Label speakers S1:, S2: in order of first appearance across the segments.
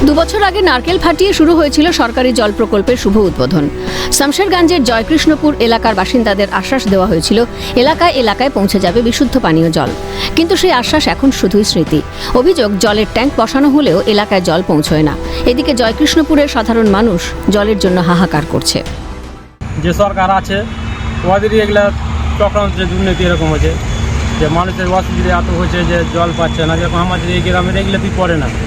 S1: দুবছর আগে নারকেল ফাটিয়ে শুরু হয়েছিল সরকারি জল প্রকল্পের শুভ উদ্বোধন। শামশেরগঞ্জের জয়কৃষ্ণপুর এলাকার বাসিন্দাদের আশ্বাস দেওয়া হয়েছিল এলাকায় এলাকায় পৌঁছে যাবে বিশুদ্ধ পানীয় জল, কিন্তু সেই আশ্বাস এখন শুধুই স্মৃতি। অভিযোগ, জলের ট্যাঙ্ক বসানো হলেও এলাকায় জল পৌঁছয় না। এদিকে জয়কৃষ্ণপুরের সাধারণ মানুষ জলের জন্য হাহাকার করছে।
S2: যে সরকার আছে ওদেরই এগুলা চক্রান্ত, যে দুর্নীতি এরকম হয়েছে, যে মানুষের অসুবিধা এত হয়েছে যে জল পাচ্ছে না। যেরকম আমাদের এই গ্রামের এগুলোতেই পড়ে না,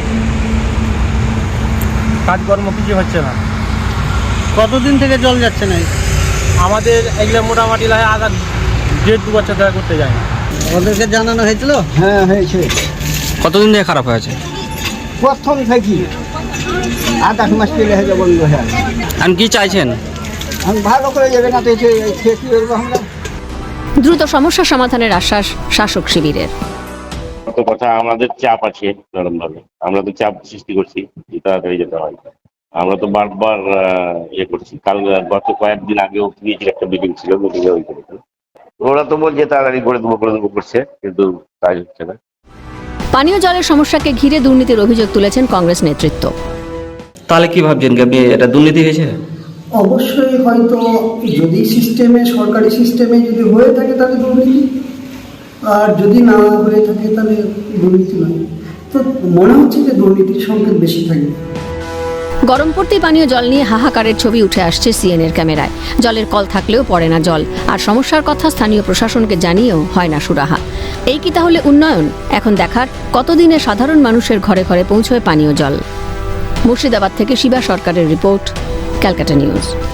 S2: কাজকর্ম কিছু হচ্ছে না।
S3: কতদিন থেকে জল যাচ্ছে না?
S2: আমাদের এগুলো মোটামুটি লাগে আধা 1.5-2 বছর ধরে করতে যায় না।
S3: ওদেরকে জানানো হয়েছিল?
S4: হ্যাঁ হয়েছে,
S5: কতদিন থেকে খারাপ হয়েছে?
S4: প্রথম থেকে 8 মাস পেলে হয়ে বন্ধ হয়ে গেল।
S5: আর কি চাইছেন?
S4: আমি ভালো করে যাবে না তো খেতে করবো আমরা।
S1: দ্রুত সমস্যা সমাধানের আশ্বাস শাসক শিবিরের।
S6: কথা, আমাদের চাপ আছে নরমভাবে, আমরা তো চাপ সৃষ্টি করছি যে তাড়াতাড়ি যেতে হয়। আমরা তো বারবার ইয়ে করছি। গত কয়েকদিন আগেও গিয়েছিল, একটা মিটিং ছিল, মিটিংয়ে ওই করেছিল। ওরা তো বলছে তাড়াতাড়ি করে দেবো করছে, কিন্তু কাজ হচ্ছে না।
S1: পানীয় জলের সমস্যাকে ঘিরে দুর্নীতির অভিযোগ তুলেছেন কংগ্রেস নেতৃত্ব।
S5: তাহলে কি ভাবছেন কি এটা দুর্নীতি হয়েছে?
S7: অবশ্যই হয়তো যদি সিস্টেমে, সরকারি সিস্টেমে যদি হয়ে থাকে তাহলে দুর্নীতি, আর যদি না হয়ে থাকে তাহলে দুর্নীতি নয়। তো মনে হচ্ছে যে দুর্নীতির সংকেত বেশি থাকবে।
S1: গরম পড়তেই পানীয় জল নিয়ে হাহাকারের ছবি উঠে আসছে সিএনএর ক্যামেরায়। জলের কল থাকলেও পড়ে না জল, আর সমস্যার কথা স্থানীয় প্রশাসনকে জানিয়েও হয় না সুরাহা। এই কি তাহলে উন্নয়ন? এখন দেখার কতদিনে সাধারণ মানুষের ঘরে ঘরে পৌঁছয় পানীয় জল। মুর্শিদাবাদ থেকে শিবা সরকারের রিপোর্ট, ক্যালকাটা নিউজ।